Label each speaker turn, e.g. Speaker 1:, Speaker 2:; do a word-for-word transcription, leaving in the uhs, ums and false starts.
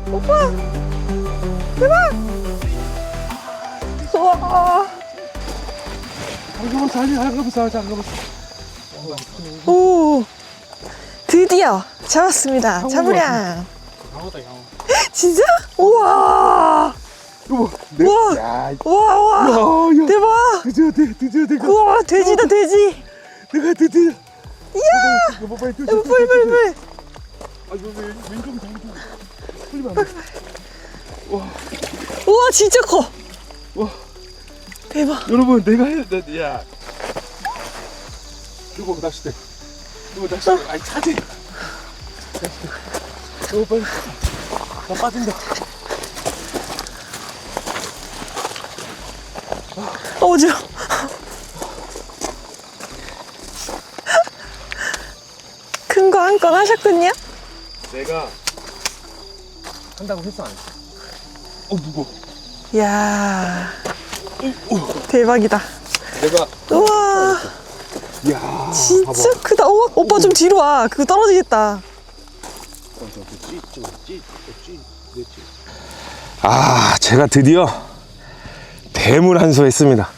Speaker 1: 오빠 대박. 우와.
Speaker 2: 잠깐만 자리 잠깐만 잠깐만.
Speaker 1: 오 드디어 잡았습니다. 자부량.
Speaker 2: 강호다 강호.
Speaker 1: 진짜? 우와.
Speaker 2: 여보.
Speaker 1: 우와.
Speaker 2: 야.
Speaker 1: 우와 우와.
Speaker 2: 야, 야.
Speaker 1: 대박.
Speaker 2: 드디어 드- 드디어 내가
Speaker 1: 우와 돼지다 돼지.
Speaker 2: 내가 드디어.
Speaker 1: 이야.
Speaker 2: 여보 빨리 뛰어.
Speaker 1: 여보 빨리 빨리 빨리.
Speaker 2: 아 여보 왼쪽 왼쪽. 풀리면 안 돼. 와.
Speaker 1: 우와 진짜 커.
Speaker 2: 와.
Speaker 1: 대박.
Speaker 2: 여러분 내가 해. 나, 야. 여보 낚싯대. 여보 낚싯대. 아이 차지. 낚싯대. 여보 빨리. 나 빠진다.
Speaker 1: 어지러. 큰 거 한 건 하셨군요.
Speaker 2: 내가 한다고 했어 안 했어? 어 무거워.
Speaker 1: 이야 대박이다.
Speaker 2: 내가
Speaker 1: 우와
Speaker 2: 이야
Speaker 1: 진짜
Speaker 2: 봐봐.
Speaker 1: 크다. 우와 오빠 좀 뒤로 와. 그거 떨어지겠다.
Speaker 2: 아 제가 드디어 뱀을 한수했습니다.